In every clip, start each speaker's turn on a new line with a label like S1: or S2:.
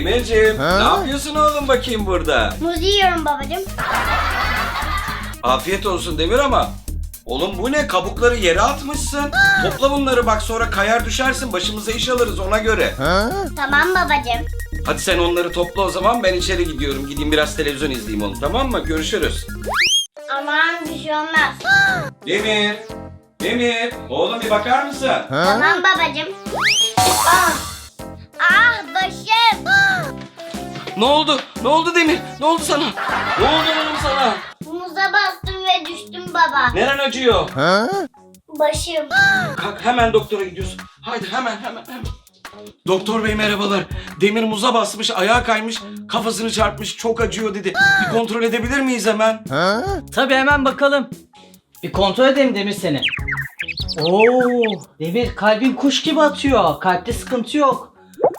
S1: Demirciğim, ne yapıyorsun oğlum bakayım burada?
S2: Muz yiyorum babacığım.
S1: Afiyet olsun Demir ama. Oğlum bu ne? Kabukları yere atmışsın. Topla bunları bak, sonra kayar düşersin. Başımıza iş alırız ona göre.
S2: Tamam babacığım.
S1: Hadi sen onları topla o zaman, ben içeri gidiyorum. Gideyim biraz televizyon izleyeyim oğlum, tamam mı? Görüşürüz.
S2: Aman bir şey olmaz.
S1: Demir. Demir. Oğlum bir bakar mısın?
S2: Tamam babacığım. Ah, başım.
S1: Ne oldu? Ne oldu Demir? Ne oldu sana? Ne oldu oğlum sana?
S2: Muza bastım ve düştüm baba.
S1: Neren acıyor?
S2: Başım.
S1: Kalk, hemen doktora gidiyorsun. Haydi hemen. Doktor bey merhabalar. Demir muza basmış, ayağa kaymış, kafasını çarpmış, çok acıyor dedi. Bir kontrol edebilir miyiz hemen?
S3: Tabii hemen bakalım. Bir kontrol edelim Demir seni. Oo, Demir kalbin kuş gibi atıyor. Kalpte sıkıntı yok.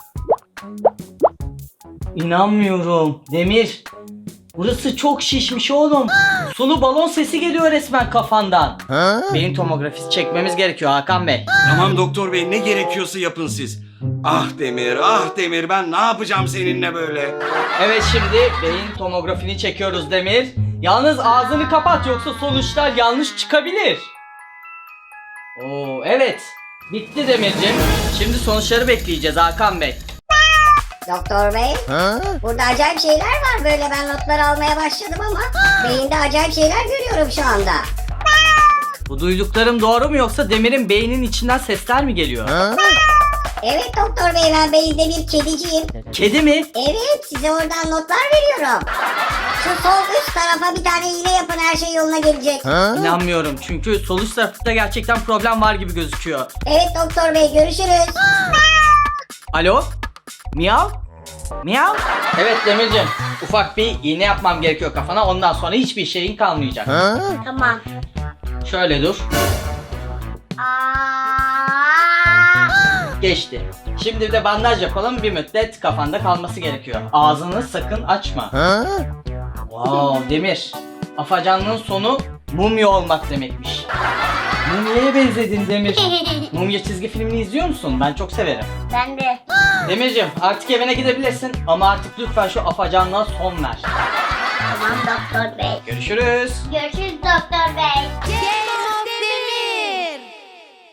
S3: İnanmıyorum. Demir. Burası çok şişmiş oğlum. Sulu balon sesi geliyor resmen kafandan. Beyin tomografisi çekmemiz gerekiyor Hakan Bey.
S1: Tamam doktor bey, ne gerekiyorsa yapın siz. Ah Demir, ben ne yapacağım seninle böyle?
S3: Evet, şimdi beyin tomografini çekiyoruz Demir. Yalnız ağzını kapat, yoksa sonuçlar yanlış çıkabilir. Oo, evet. Bitti Demirciğim. Şimdi sonuçları bekleyeceğiz Hakan Bey.
S4: Doktor bey, burada acayip şeyler var, böyle ben notlar almaya başladım ama beyinde acayip şeyler görüyorum şu anda.
S3: Bu duyduklarım doğru mu, yoksa Demir'in beyninin içinden sesler mi geliyor?
S4: Evet doktor bey, ben beyinde bir kediciyim.
S3: Kedi mi?
S4: Evet, size oradan notlar veriyorum. Şu sol üst tarafa bir tane iğne yapın, her şey yoluna gelecek.
S3: İnanmıyorum, çünkü sol üst tarafta gerçekten problem var gibi gözüküyor.
S4: Evet doktor bey, görüşürüz.
S3: Alo? Miyav? Miyav? Evet Demirciğim, ufak bir iğne yapmam gerekiyor kafana, ondan sonra hiçbir şeyin kalmayacak.
S2: Tamam.
S3: Şöyle dur.
S2: Aa!
S3: Geçti. Şimdi bir de bandaj yapalım, bir müddet kafanda kalması gerekiyor. Ağzını sakın açma. Wow Demir, afacanlığın sonu mumya olmak demekmiş. Mumya'ya benzedin Demir. Mumya çizgi filmini izliyor musun? Ben çok severim.
S2: Ben de.
S3: Demirciğim, artık evine gidebilirsin ama artık lütfen şu afacanlığa son ver.
S2: Tamam doktor bey.
S3: Görüşürüz.
S2: Görüşürüz doktor bey.